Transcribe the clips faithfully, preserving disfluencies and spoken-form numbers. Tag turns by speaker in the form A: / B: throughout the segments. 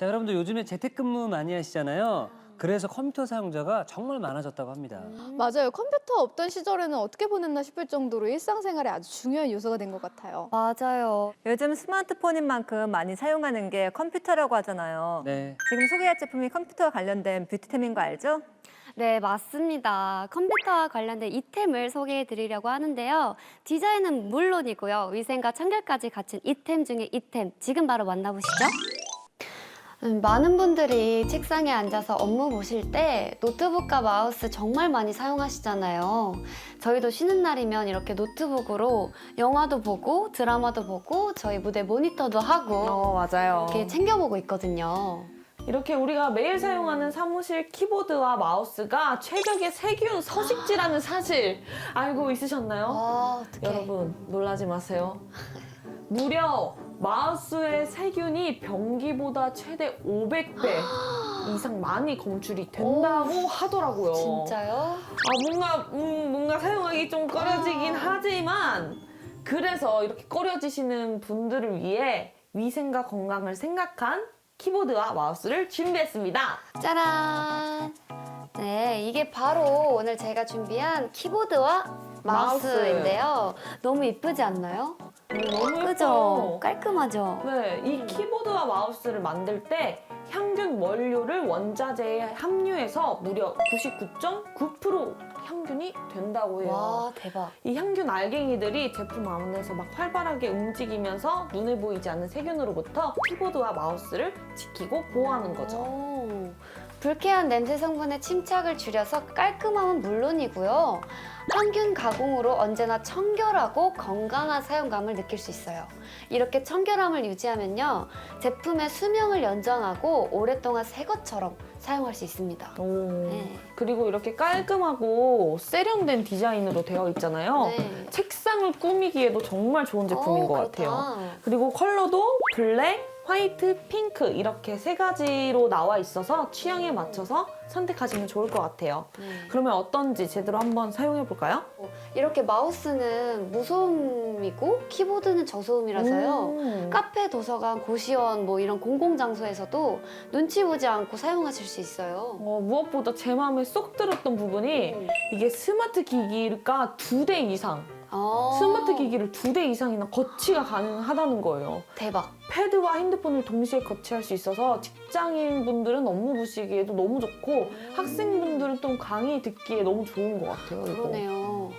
A: 자, 여러분들 요즘에 재택근무 많이 하시잖아요. 그래서 컴퓨터 사용자가 정말 많아졌다고 합니다.
B: 맞아요. 컴퓨터 없던 시절에는 어떻게 보냈나 싶을 정도로 일상생활에 아주 중요한 요소가 된 것 같아요.
C: 맞아요.
D: 요즘 스마트폰인 만큼 많이 사용하는 게 컴퓨터라고 하잖아요.
A: 네.
D: 지금 소개할 제품이 컴퓨터와 관련된 뷰티템인 거 알죠?
C: 네, 맞습니다. 컴퓨터와 관련된 이템을 소개해 드리려고 하는데요. 디자인은 물론이고요. 위생과 청결까지 갖춘 이템 중에 이템, 지금 바로 만나보시죠. 음, 많은 분들이 책상에 앉아서 업무 보실 때 노트북과 마우스 정말 많이 사용하시잖아요. 저희도 쉬는 날이면 이렇게 노트북으로 영화도 보고 드라마도 보고 저희 무대 모니터도 하고
D: 어, 맞아요.
C: 이렇게 챙겨보고 있거든요.
E: 이렇게 우리가 매일 사용하는 사무실 키보드와 마우스가 최적의 세균 서식지라는 사실 알고 있으셨나요?
C: 아, 어떡해.
E: 여러분 놀라지 마세요. 무려 마우스의 세균이 변기보다 최대 오백 배 이상 많이 검출이 된다고 하더라고요.
C: 진짜요?
E: 아 뭔가 음, 뭔가 사용하기 좀 꺼려지긴 하지만 그래서 이렇게 꺼려지시는 분들을 위해 위생과 건강을 생각한 키보드와 마우스를 준비했습니다.
C: 짜란! 네, 이게 바로 오늘 제가 준비한 키보드와
E: 마우스.
C: 마우스인데요. 너무 이쁘지 않나요?
E: 음, 너무
C: 그죠?
E: 예뻐요.
C: 깔끔하죠?
E: 네, 이 키보드와 마우스를 만들 때 향균 원료를 원자재에 함유해서 무려 구십구 점 구 퍼센트 향균이 된다고 해요.
C: 와, 대박.
E: 이 향균 알갱이들이 제품 안에서 막 활발하게 움직이면서 눈에 보이지 않는 세균으로부터 키보드와 마우스를 지키고 보호하는 거죠.
C: 오, 불쾌한 냄새 성분의 침착을 줄여서 깔끔함은 물론이고요. 항균 가공으로 언제나 청결하고 건강한 사용감을 느낄 수 있어요. 이렇게 청결함을 유지하면요, 제품의 수명을 연장하고 오랫동안 새 것처럼 사용할 수 있습니다.
E: 오.
C: 네.
E: 그리고 이렇게 깔끔하고 세련된 디자인으로 되어 있잖아요.
C: 네.
E: 책상을 꾸미기에도 정말 좋은 제품인
C: 어,
E: 것
C: 그렇다.
E: 같아요. 그리고 컬러도 블랙, 화이트, 핑크 이렇게 세 가지로 나와 있어서 취향에 맞춰서 선택하시면 좋을 것 같아요.
C: 네.
E: 그러면 어떤지 제대로 한번 사용해 볼까요?
C: 이렇게 마우스는 무소음이고 키보드는 저소음이라서요.
E: 음.
C: 카페, 도서관, 고시원 뭐 이런 공공장소에서도 눈치 보지 않고 사용하실 수 있어요.
E: 어, 무엇보다 제 마음에 쏙 들었던 부분이 이게 스마트 기기가 두 대 이상,
C: 아,
E: 스마트 기기를 두 대 이상이나 거치가 가능하다는 거예요.
C: 대박.
E: 패드와 핸드폰을 동시에 거치할 수 있어서 직장인분들은 업무 보시기에도 너무 좋고 학생분들은 또 강의 듣기에 너무 좋은 것 같아요. 이거.
C: 그러네요.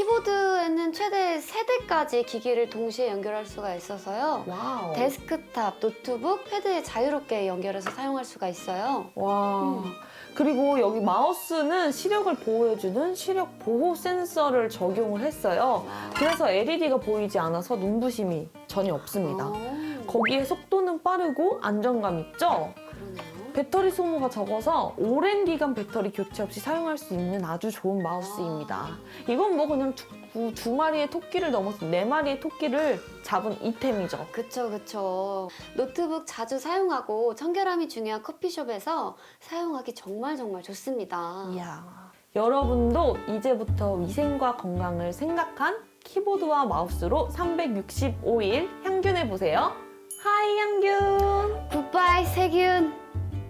C: 키보드에는 최대 세 대까지 기기를 동시에 연결할 수가 있어서요.
E: 와우.
C: 데스크탑, 노트북, 패드에 자유롭게 연결해서 사용할 수가 있어요.
E: 와.
C: 음.
E: 그리고 여기 마우스는 시력을 보호해주는 시력 보호 센서를 적용을 했어요. 그래서 엘이디가 보이지 않아서 눈부심이 전혀 없습니다.
C: 아,
E: 거기에 속도는 빠르고 안정감 있죠?
C: 그러네요.
E: 배터리 소모가 적어서 오랜 기간 배터리 교체 없이 사용할 수 있는 아주 좋은 마우스입니다. 이건 뭐 그냥 두, 두 마리의 토끼를 넘어서 네 마리의 토끼를 잡은 이템이죠.
C: 그쵸, 그쵸. 노트북 자주 사용하고 청결함이 중요한 커피숍에서 사용하기 정말 정말 좋습니다.
E: 이야. 여러분도 이제부터 위생과 건강을 생각한 키보드와 마우스로 삼백육십오 일 향균해보세요. 하이 향균!
C: 굿바이 세균!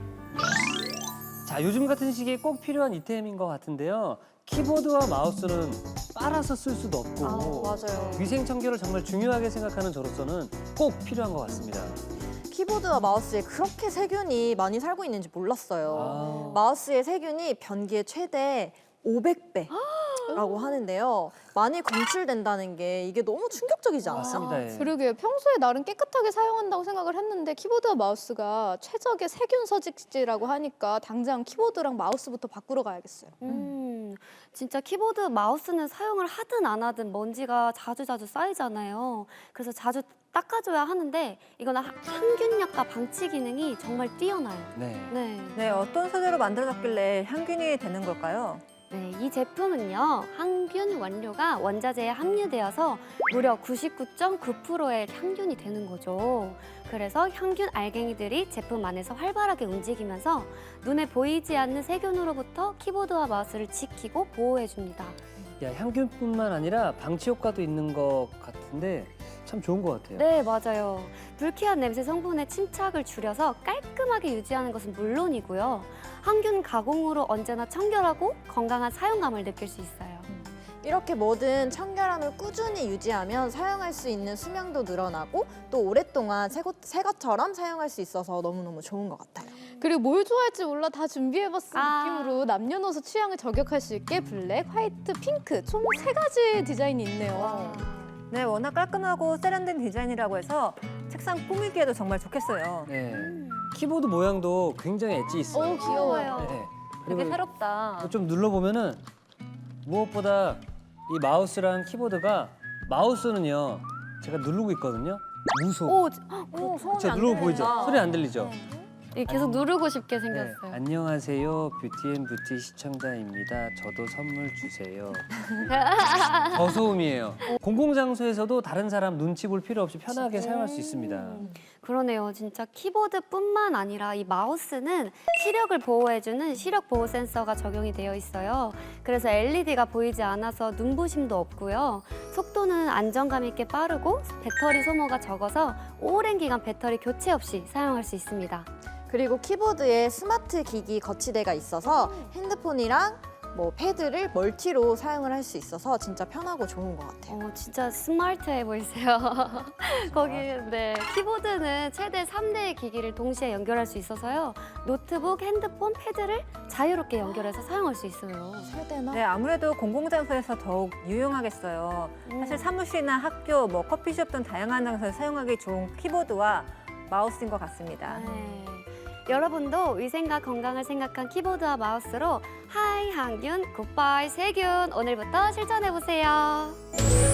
A: 자, 요즘 같은 시기에 꼭 필요한 이템인 것 같은데요. 키보드와 마우스는 빨아서 쓸 수도 없고
B: 아, 맞아요.
A: 위생 청결을 정말 중요하게 생각하는 저로서는 꼭 필요한 것 같습니다.
F: 키보드와 마우스에 그렇게 세균이 많이 살고 있는지 몰랐어요.
A: 아.
F: 마우스의 세균이 변기의 최대 오백 배라고 하는데요. 많이 검출된다는 게 이게 너무 충격적이지 않아요?
A: 맞습니다. 예.
B: 그러게요. 평소에 나름 깨끗하게 사용한다고 생각을 했는데 키보드와 마우스가 최적의 세균 서식지라고 하니까 당장 키보드랑 마우스부터 바꾸러 가야겠어요.
C: 음, 진짜 키보드, 마우스는 사용을 하든 안 하든 먼지가 자주자주 쌓이잖아요. 그래서 자주 닦아줘야 하는데 이거는 하- 항균력과 방치 기능이 정말 뛰어나요.
A: 네.
C: 네.
D: 네, 어떤 소재로 만들어졌길래 향균이 되는 걸까요?
C: 네, 이 제품은요, 항균 원료가 원자재에 함유되어서 무려 구십구 점 구 퍼센트의 향균이 되는 거죠. 그래서 향균 알갱이들이 제품 안에서 활발하게 움직이면서 눈에 보이지 않는 세균으로부터 키보드와 마우스를 지키고 보호해줍니다.
A: 야, 향균뿐만 아니라 방치 효과도 있는 것 같은데 참 좋은 것 같아요.
C: 네, 맞아요. 불쾌한 냄새 성분의 침착을 줄여서 깔끔하게 유지하는 것은 물론이고요. 항균 가공으로 언제나 청결하고 건강한 사용감을 느낄 수 있어요.
F: 이렇게 뭐든 청결함을 꾸준히 유지하면 사용할 수 있는 수명도 늘어나고 또 오랫동안 새, 것, 새 것처럼 사용할 수 있어서 너무너무 좋은 것 같아요.
B: 그리고 뭘 좋아할지 몰라 다 준비해봤어
C: 아.
B: 느낌으로 남녀노소 취향을 저격할 수 있게 블랙, 화이트, 핑크 총 세 가지 디자인이 있네요.
D: 네, 워낙 깔끔하고 세련된 디자인이라고 해서 책상 꾸미기에도 정말 좋겠어요.
A: 네. 키보드 모양도 굉장히 엣지 있어요.
B: 오 귀여워요.
A: 네.
D: 되게
A: 그리고
D: 새롭다.
A: 좀 눌러보면은 무엇보다 이 마우스랑 키보드가 마우스는요 제가 누르고 있거든요. 무소.
C: 오,
D: 오, 소음이
A: 그쵸,
D: 안
A: 누르고 보이죠?
D: 들린다.
A: 소리 안 들리죠?
C: 이 계속 누르고 싶게
A: 네.
C: 생겼어요.
A: 안녕하세요. 뷰티앤뷰티 시청자입니다. 저도 선물 주세요. 저소음이에요. 공공장소에서도 다른 사람 눈치 볼 필요 없이 편하게 사용할 수 있습니다.
C: 그러네요. 진짜 키보드뿐만 아니라 이 마우스는 시력을 보호해주는 시력 보호 센서가 적용이 되어 있어요. 그래서 엘이디가 보이지 않아서 눈부심도 없고요. 속도는 안정감 있게 빠르고 배터리 소모가 적어서 오랜 기간 배터리 교체 없이 사용할 수 있습니다.
F: 그리고 키보드에 스마트 기기 거치대가 있어서 핸드폰이랑 뭐 패드를 멀티로 사용을 할 수 있어서 진짜 편하고 좋은 것 같아요.
C: 어, 진짜 스마트해 보이세요. 거기 네 키보드는 최대 삼 대의 기기를 동시에 연결할 수 있어서요. 노트북, 핸드폰, 패드를 자유롭게 연결해서 사용할 수 있어요.
F: 세대나?
D: 네, 아무래도 공공장소에서 더욱 유용하겠어요. 사실 사무실이나 학교, 뭐 커피숍 등 다양한 장소에서 사용하기 좋은 키보드와 마우스인 것 같습니다.
C: 네. 여러분도 위생과 건강을 생각한 키보드와 마우스로 하이 항균, 굿바이 세균 오늘부터 실천해 보세요.